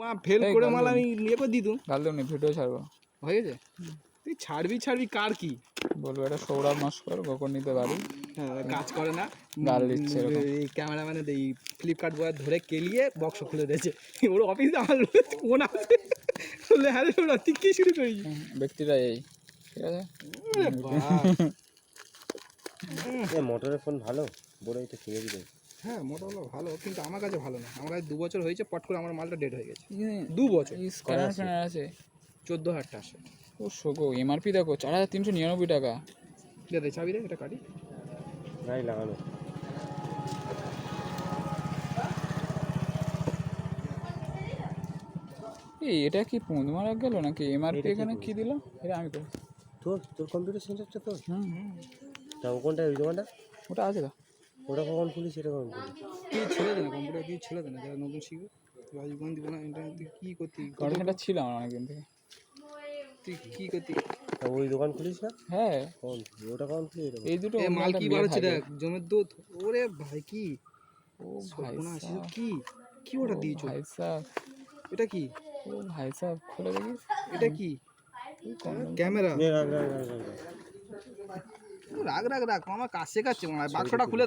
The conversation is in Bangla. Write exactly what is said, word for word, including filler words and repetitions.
ফেল করে মাল আমি নিয়ে করে দিতুম। গাল দেবনি, ভিডিও ছাড়বো। হয়ে গেছে? তুই ছাড়বি ছাড়বি কার কি বলবো এটা সৌরভ নস্কর গোকর নিতে বাড়ি। হ্যাঁ কাজ করে না, গাল দিচ্ছে এরকম। এই ক্যামেরাম্যানের এই ফ্লিপকার্ট বয় ধরে কেলিয়ে বক্স খুলে দিয়েছে। ওর অফিসে আমার ফোন আছে, বলে হ্যাঁ রে ওরা তুই কি শুরু করেছিস? ব্যক্তিটা এই ঠিক আছে। মোটরের ফোন ভালো, বড় এটা কিনে দিলে। হ্যাঁ মোটামুটি ভালো, কিন্তু আমার কাছে ভালো না। আমার কাছে দু বছর হয়েছে, পট করে আমার মালটা ডেড হয়ে গেছে। দু বছর স্ক্যানার ফ্যানার আছে চোদ্দো হাজার টাকা আসে। ও শোকো এমআরপি দেখো চার হাজার তিনশো নিরানব্বই টাকা। দে দে চাবি রে, এটা কাটি। গাড়ি লাগানো এই এটা কি পুঁদ মারা গেল নাকি? এমআরপি এখানে কি দিল এটা আমি করি। তোর তোর কম্পিউটার সেন্টারটা তোর? হুম হুম তা ও কোনটা ওই দোকানটা? ওটা আছে তো। ওটা কখন খুলিস এটা কখন খুলিস? কি ছেড়ে দে না, কম্পিউটার কি ছেড়ে দে না, যারা নতুন শিখবে। রাজীবন দিব না ইন্টারনেট দিয়ে কী করতি? কন্টেন্টটা ছিল আমার অনেকদিন থেকে। তুই কী করতি? তা ওই দোকান খুলিস না? হ্যাঁ কখন খুলি? ওটা কখন খুলি? এটা এই দুটো এ মাল মালটা কি বের বার হচ্ছে থাকে। দেখ, জমের দুধ। ওরে ভাই কি ও ভাই সর্বনাশ, এসব সাব, কি কি ওটা ও দিয়েছো? ভাই সাব, এটা কি? ও ভাই সাব খুলে দেখিস। এটা কি ক্যামেরা? নে, রাখ, রাখ, রাখ, রাখ, রাখ। রাখ রাখ রাখ, আমার কাজ শেখাচ্ছে মনে হয়। বাক্সটা খুলে